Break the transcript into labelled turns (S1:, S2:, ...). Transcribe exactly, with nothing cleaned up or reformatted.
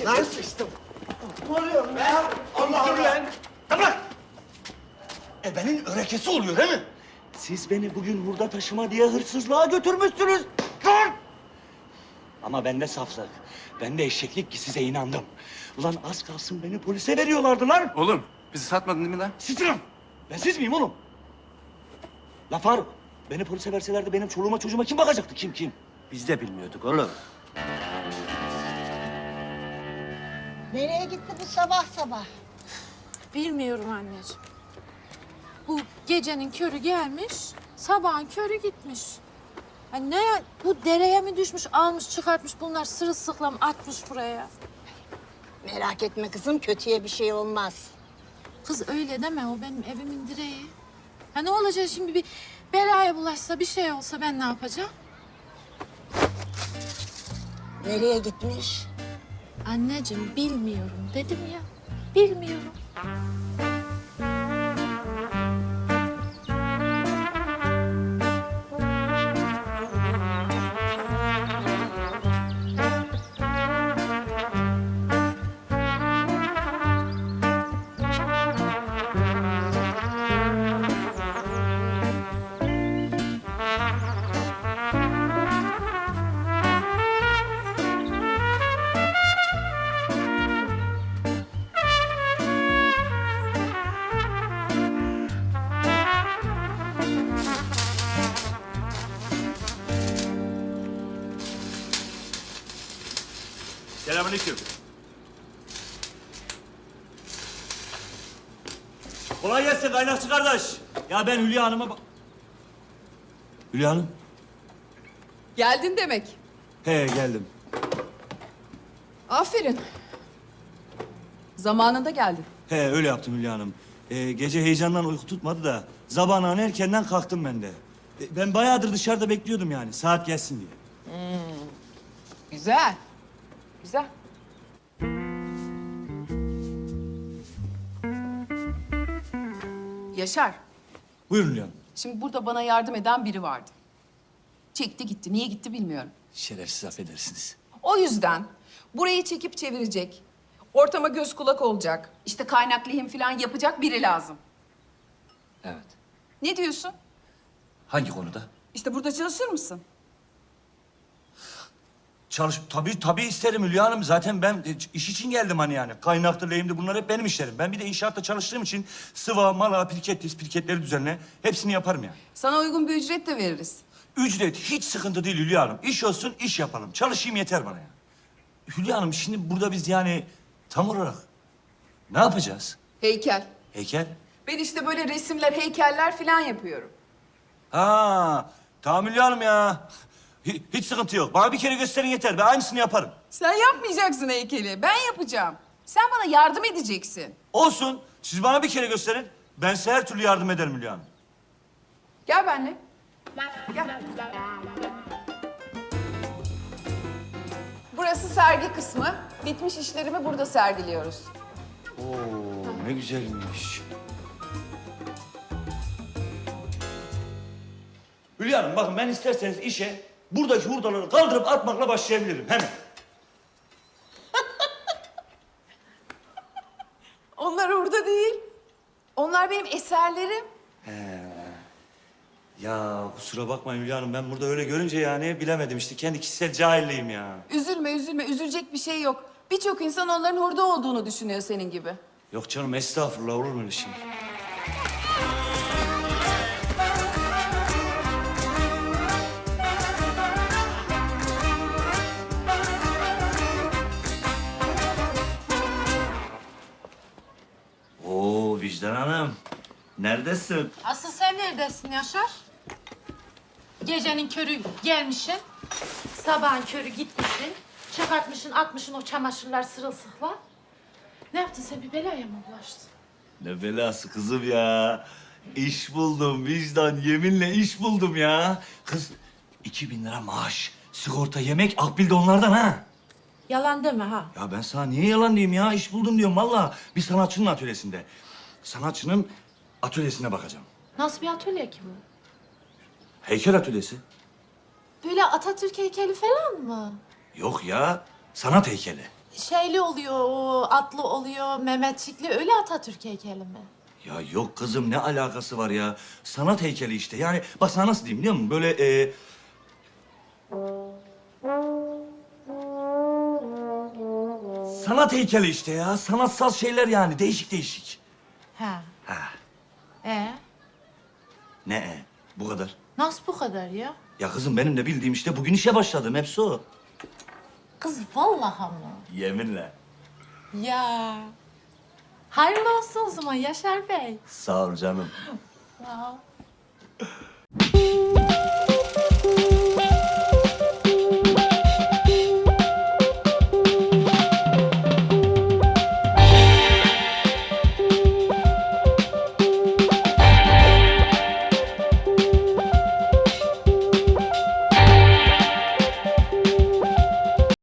S1: Lan sıçtım. Ne oluyor ya? Allah Allah.
S2: Bırak! Ebenin örekesi oluyor değil mi? Siz beni bugün hurda taşıma diye hırsızlığa götürmüşsünüz. Dur! Ama bende saflık, bende eşeklik ki size inandım. Ulan az kalsın beni polise veriyorlardı lan.
S3: Oğlum bizi satmadın değil mi lan?
S2: Sitirim. Ben siz miyim oğlum? La Faruk, beni polise verselerdi benim çoluğuma çocuğuma kim bakacaktı? Kim kim?
S1: Biz de bilmiyorduk oğlum.
S4: Nereye gitti bu sabah sabah?
S5: Bilmiyorum anneciğim. Bu gecenin körü gelmiş, sabahın körü gitmiş. Ha ne ya, bu dereye mi düşmüş, almış çıkartmış bunlar sırılsıklam atmış buraya.
S4: Merak etme kızım, kötüye bir şey olmaz.
S5: Kız öyle deme, o benim evimin direği. Ha ne olacak şimdi, bir belaya bulaşsa, bir şey olsa ben ne yapacağım?
S4: Nereye gitmiş?
S5: Anneciğim bilmiyorum dedim ya, bilmiyorum.
S2: Selamünaleyküm. Kolay gelsin kaynakçı kardeş. Ya ben Hülya Hanım'a bak... Hülya Hanım.
S6: Geldin demek.
S2: He geldim.
S6: Aferin. Zamanında geldin.
S2: He öyle yaptım Hülya Hanım. Ee, gece heyecandan uyku tutmadı da sabahın erkenden kalktım ben de. E, ben bayağıdır dışarıda bekliyordum yani saat gelsin diye.
S6: Güzel. Güzel. Yaşar,
S2: Buyurun Hülya Hanım.
S6: şimdi burada bana yardım eden biri vardı. Çekti gitti. Niye gitti bilmiyorum.
S2: Şerefsiz affedersiniz.
S6: O yüzden burayı çekip çevirecek, ortama göz kulak olacak, işte kaynak lehim falan yapacak biri lazım.
S2: Evet.
S6: Ne diyorsun?
S2: Hangi konuda?
S6: İşte burada çalışır mısın?
S2: Çalış tabii tabii isterim Hülya Hanım. Zaten ben e, iş için geldim hani yani. Kaynaktır, lehimdir bunlar hep benim işlerim. Ben bir de inşaatta çalıştığım için sıva, mala, pirket, pirketleri düzenle hepsini yaparım yani.
S6: Sana uygun bir ücret de veririz.
S2: Ücret hiç sıkıntı değil Hülya Hanım. İş olsun, iş yapalım. Çalışayım yeter bana ya. Hülya Hanım şimdi burada biz yani tam olarak ne yapacağız?
S6: Heykel.
S2: Heykel?
S6: Ben işte böyle resimler, heykeller falan yapıyorum.
S2: Ha, tamam Hülya Hanım ya. Hi- Hiç sıkıntı yok. Bana bir kere gösterin yeter. Ben aynısını yaparım.
S6: Sen yapmayacaksın heykeli, ben yapacağım. Sen bana yardım edeceksin.
S2: Olsun. Siz bana bir kere gösterin. Ben size her türlü yardım ederim Hülya Hanım.
S6: Gel benimle. Gel. Burası sergi kısmı. Bitmiş işlerimi burada sergiliyoruz.
S2: Oo, ne güzelmiş. Hülya Hanım bakın ben isterseniz işe buradaki hurdaları kaldırıp atmakla başlayabilirim hemen.
S6: Onlar orada değil. Onlar benim eserlerim.
S2: Ya kusura bakmayın Hülya Hanım ben burada öyle görünce yani bilemedim işte kendi kişisel cahilliğim ya.
S6: Üzülme, üzülme. Üzülecek bir şey yok. Birçok insan onların orada olduğunu düşünüyor senin gibi.
S2: Yok canım estağfurullah olur mu öyle şey? Oo Vicdan Hanım. Neredesin?
S5: Asıl sen neredesin Yaşar? Gecenin körü gelmişsin, sabahın körü gitmişsin, çıkartmışsın, atmışsın o çamaşırlar sırılsıklam. Ne yaptın sen, bir belaya mı bulaştın?
S2: Ne belası kızım ya. İş buldum Vicdan. Yeminle iş buldum ya. Kız iki bin lira maaş. Sigorta, yemek, akbil de onlardan ha.
S5: Yalan deme ha.
S2: Ya ben sana niye yalan diyeyim ya? İş buldum diyorum vallahi. Bir sanatçının atölyesinde. Sanatçının atölyesine bakacağım.
S5: Nasıl bir atölye ki bu?
S2: Heykel atölyesi.
S5: Böyle Atatürk heykeli falan mı?
S2: Yok ya, sanat heykeli.
S5: şeyli oluyor, o atlı oluyor, Mehmetçikli öyle Atatürk heykeli mi?
S7: Ya yok kızım ne alakası var ya? Sanat heykeli işte. Yani bak sana nasıl diyeyim biliyor musun? Böyle e... Sanat heykeli işte ya. Sanatsal şeyler yani. Değişik değişik.
S5: Ha.
S7: Ha.
S5: E
S7: Ne e? Bu kadar.
S5: nasıl bu kadar ya?
S7: Ya kızım benim de bildiğim işte bugün işe başladım. Hepsi o.
S5: Kız vallahi mı?
S7: Yeminle.
S5: Ya. Hayırlı olsun o zaman Yaşar Bey.
S7: Sağ ol canım.
S5: Sağ ol.